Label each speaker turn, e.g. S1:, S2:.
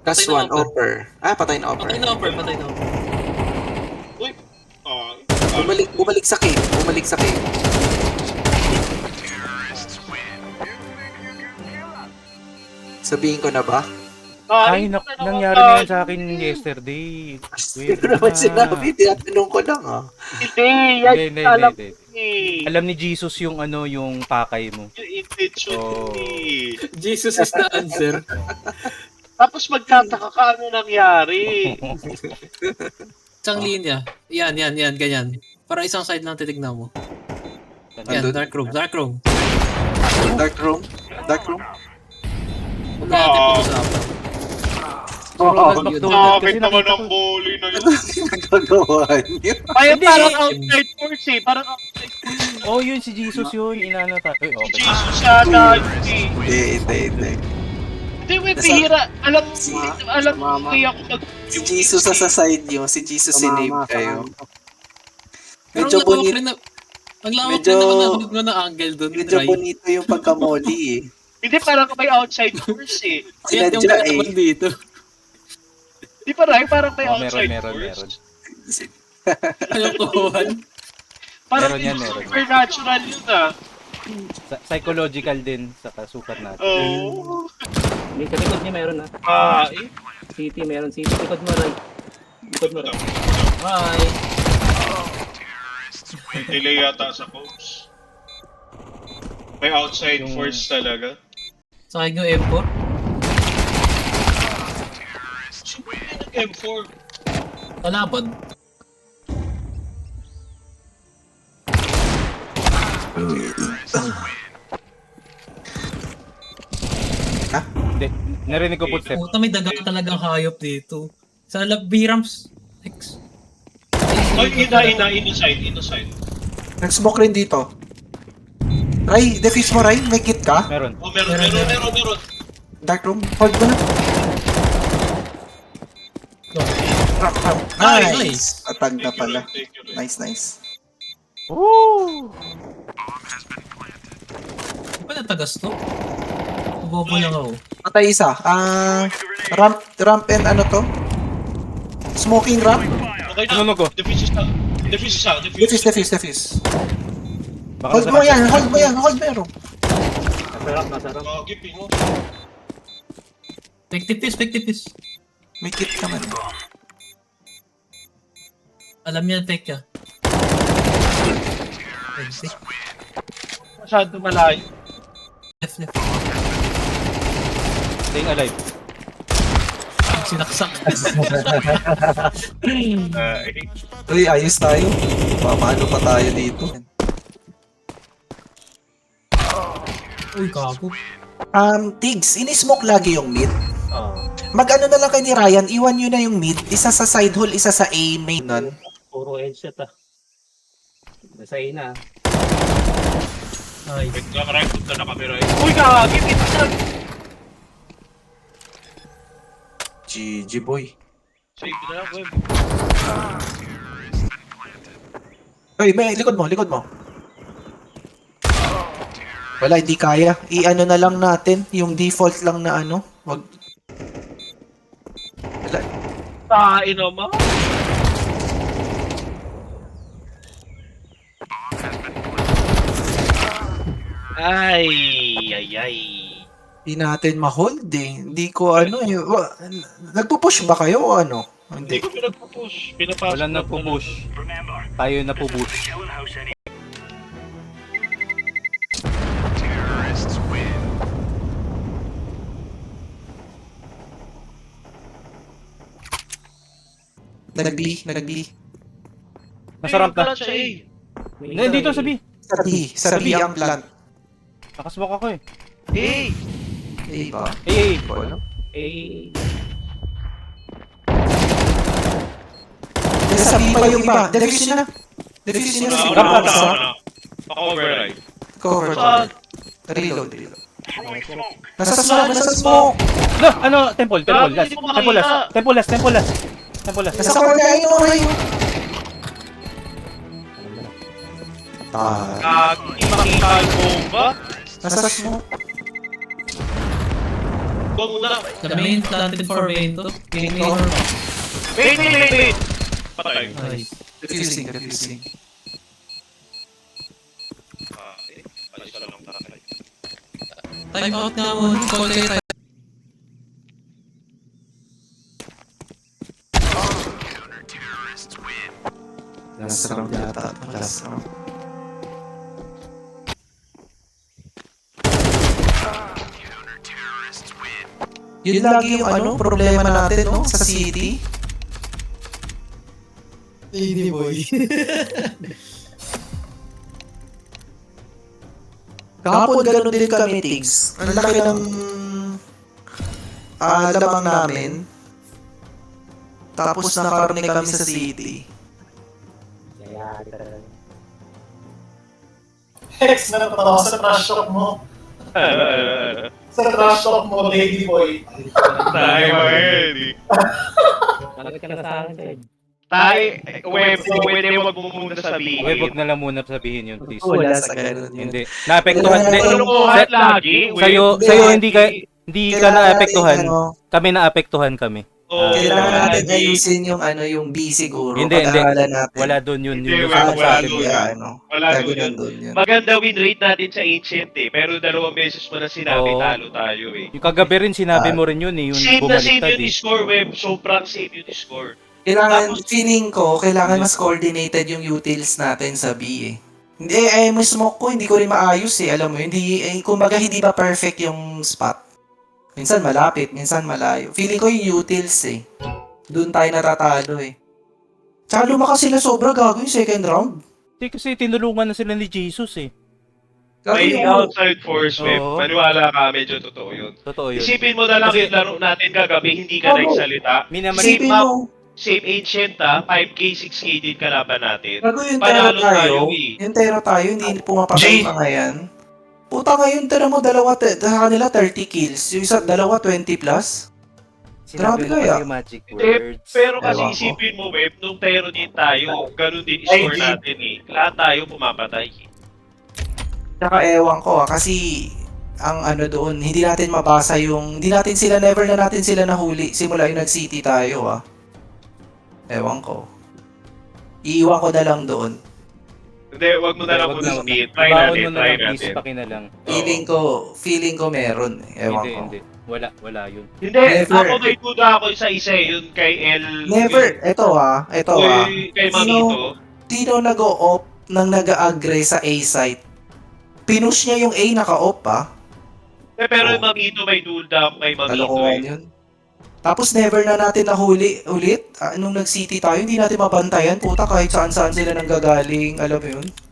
S1: Last
S2: Patay na
S1: one,
S2: offer.
S1: offer. Patay na offer.
S2: Patay na offer, patay na offer.
S3: Uy!
S1: Bumalik sa cave. Bumalik sa cave. Sabihin ko na ba?
S4: Ay, nangyari na yan sa akin yesterday.
S1: Hindi ko naman sinabi. Tinatanong ko lang
S3: Hindi, yan
S4: Hindi.
S3: alam ko eh.
S4: Alam ni Jesus yung ano, yung pakay mo.
S3: Yung intention
S4: Oh.
S3: eh.
S2: Jesus is the answer.
S3: Tapos magtataka ka ano nangyari.
S2: Isang linya. Yan, ganyan. Para isang side lang titignan mo. Yan,
S1: Andun?
S2: dark room.
S1: Dark room.
S2: Huwag na natin pag-usapan.
S4: Ronald McDonald kasi
S3: Bakit naman
S4: nakita
S3: ang
S4: ko.
S3: bully na yun?
S1: Nagagawa niyo.
S3: Ay,
S4: Hindi.
S3: parang outside force eh. Parang outside force.
S4: Oh, yun si Jesus yun. Inano tayo.
S3: Si
S4: Okay.
S3: Jesus sana yun eh.
S1: Hindi.
S3: Hindi, may bihira. Alam mo,
S5: Mama.
S3: hindi ako mag...
S1: Si Jesus sa side niyo. Si Jesus sinave kayo.
S2: Pero
S1: Medyo
S2: ang lawak
S1: bonito.
S2: rin na... Ang lawak
S1: Medyo-
S2: rin naman na hulog mo na angle doon.
S1: Medyo bonito yung pagkamoli eh.
S3: Hindi, parang may outside force eh.
S2: Kaya yung
S1: Sinadya
S2: kalaban
S1: eh.
S2: dito.
S3: Di ba, Ray? Parang may
S4: Oh,
S3: outside
S4: meron.
S3: force.
S2: Anong kuhan?
S3: Parang
S4: Meron yan.
S3: supernatural yun ah.
S4: Psychological din sa kasukat natin.
S3: Oo.
S5: May sa likod niya meron na.
S3: Eh.
S5: City, meron city. Likod mo, right. Likod mo, right.
S2: Bye!
S3: May delay yata sa coach. May outside
S4: Yung-
S3: force talaga.
S2: Sa akin yung M4.
S3: Sino yung nag-M4?
S2: Kalaban.
S4: Hindi. Narinig ko footstep.
S2: Puta, may daga talagang hayop dito. Sa B-ramps. X.
S3: Ay, inside.
S1: Nag-smoke rin dito. Ray, defuse mo Ray. May kit ka?
S4: Meron.
S3: Oh, meron.
S1: Dark room. Hold mo na. Ram.
S2: Nice.
S1: Nice. Atag na pala.
S3: Thank you, Ray.
S1: Nice.
S4: Woo!
S2: Di ba natagas to? Bobo lang ako.
S1: Patay isa. Ramp and ano to? Smoking ramp?
S3: Okay na.
S4: Ano ko?
S3: Defuse isa.
S1: Defuse.
S4: Baka
S1: Hold mo yan. Hold mo yan.
S5: Nasa ramp.
S3: Gipi mo.
S2: Fake tipis.
S1: May kit ka man.
S2: Alam niya, fake ka. Exit.
S3: Masyado malayo.
S2: Left.
S4: Staying alive.
S2: Sinaksak.
S1: Uy, ayos tayo. Paano pa tayo dito?
S2: Uy, kago.
S1: Tigs, ini-smoke lagi yung mid.
S5: Oo.
S1: Mag-ano na lang kay ni Ryan, iwan nyo na yung mid. Isa sa side hole, isa sa A main. Nun.
S5: Puro headset ah. Nasa ina.
S2: Ay.
S3: Wait lang, Ray. Punta na kami, Ray. Uy, kagagip.
S1: GG boy.
S3: Sige na lang, web.
S1: Uy, likod mo. Wala, hindi kaya. I-ano na lang natin, yung default lang na ano. Wag. Wala.
S3: Tain naman. Ay.
S1: Hindi natin ma-hold eh. Hindi ko ano eh. Nagpo-push ba kayo o ano?
S3: Hindi
S1: Hindi.
S3: ko pinagpo-push. Pinapasok
S4: Wala na po push. Tayo na po push.
S1: Nag-B.
S4: Masarap na.
S3: Siya, eh.
S4: Nandito sa B.
S1: Sa B ang plant.
S4: Nakasmoke ako eh.
S3: Hey!
S1: A ba?
S4: Eh,
S1: Ano?
S5: Eh,
S1: Nasa B pa yung iba. Defuse nyo na. Defuse nyo na.
S4: Ramp ata.
S3: Ako-over, Ray.
S1: Cover. Reload. Nasa smoke.
S4: No, ano, temple last.
S3: Hindi mo makita.
S4: Temple last.
S1: Nasa corner ayun o Ray.
S3: Hindi makita yung bomba.
S1: Nasa smoke.
S3: Go muna.
S2: The main planted for main to. Main door.
S3: Wait. Patay.
S2: Nice.
S1: Defusing.
S3: Alis ka lang ng tatay.
S2: Time out nga mo. Call kayo time.
S1: Last round yata. Last round. Yun lagi yung ano, problema natin, no? Sa city.
S6: Lady boy.
S1: Kahapon ganun din kami, Tigs. Ang laki ng lamang namin. Tapos nakarne kami sa city.
S5: Kaya, talaga.
S6: Hex na natawa sa trash talk mo. Sa trash talk mo, lady boy.
S3: Tayo mga
S5: Bakit ka na sa akin, Ted?
S3: Tayo, pwede wag mo muna sabihin.
S4: Wag na lang muna sabihin yun, please.
S1: Wala sa ganun yun.
S4: Hindi. Naapektuhan.
S1: Wala.
S3: Tulungan lagi.
S4: Sa'yo hindi ka naapektuhan.
S1: Ano,
S4: Kami naapektuhan kami.
S1: kailangan natin
S3: lagi.
S1: ayusin yung ano, yung B siguro.
S4: Hindi.
S1: Pag-aralan natin.
S4: Wala doon yun.
S3: Hindi,
S4: Yung
S3: wala
S4: sa atin.
S3: doon.
S1: Ano,
S3: Wala
S1: gagawin
S3: doon.
S1: doon yun.
S3: Maganda win rate natin sa Ancient eh. Pero 2 beses mo na sinabi,
S4: Oo.
S3: talo tayo eh.
S4: Yung kagabi rin sinabi mo rin yun eh. Yung
S3: Same na same
S4: bumaliktad
S3: yung
S4: eh.
S3: score, Web. Sobrang same yung score.
S1: Kailangan, feeling ko, kailangan mas coordinated yung utils natin sa B eh. Hindi, may smoke ko, hindi ko rin maayos eh. Alam mo, hindi, kumbaga hindi ba perfect yung spot. Minsan malapit, minsan malayo. Feeling ko yung utils eh. Doon tayo natatalo eh. Tsaka lumakas sila sobra gago yung second round.
S4: Hindi kasi tinulungan na sila ni Jesus eh.
S1: Gago
S3: May
S1: yung,
S3: outside force, Web.
S4: Oo.
S3: Maniwala ka, medyo totoo yun.
S4: Totoo yun.
S3: Isipin mo na lang
S4: Kasi-
S3: yung laro natin kagabi, hindi ka
S1: Oo.
S3: nagsalita.
S1: isipin mo,
S3: Same Ancient ha, 5k, 6k din kalaban natin.
S1: gago yung tera
S3: Panalo
S1: tayo.
S3: tayo eh.
S1: Yung tera tayo, hindi pumapasok
S3: Jay.
S1: yung mga yan. Puta ngayon, tira mo, sa kanila 30 kills. Yung isa, dalawa 20 plus. Grabe kaya.
S4: yung magic
S3: Eh, pero kasi
S1: Ewan ko.
S3: isipin mo, Web, nung tero din tayo, ganun din score natin eh. Lahat tayo pumapatay.
S1: Tsaka ewan ko kasi ang ano doon, hindi natin mabasa yung, never na natin sila nahuli simula yung nag-city tayo Ewan ko. Iiwan ko na lang doon.
S3: Hindi, wag mo na lang muna sabihin. Try
S4: Baon
S3: natin,
S4: mo na
S3: try
S4: lang, please,
S3: natin.
S4: pakinalang.
S1: Feeling ko meron Ewan ko.
S4: Hindi. Wala yun.
S3: Hindi,
S1: Never.
S3: ako may duda ako sa isa eh, yun kay El...
S1: Never, ito
S3: Kay Mamito.
S1: Sino nag-o-op nang nag-agree sa A site? Pinush niya yung A naka-op
S3: Pero
S1: Oh.
S3: yung Mamito may duda ako kay Mamito
S1: Kalokohan
S3: eh.
S1: yun. Tapos never na natin nahuli ulit. Nung nag-city tayo, hindi natin mabantayan. Puta, kahit saan-saan sila nanggagaling. Alam mo yun?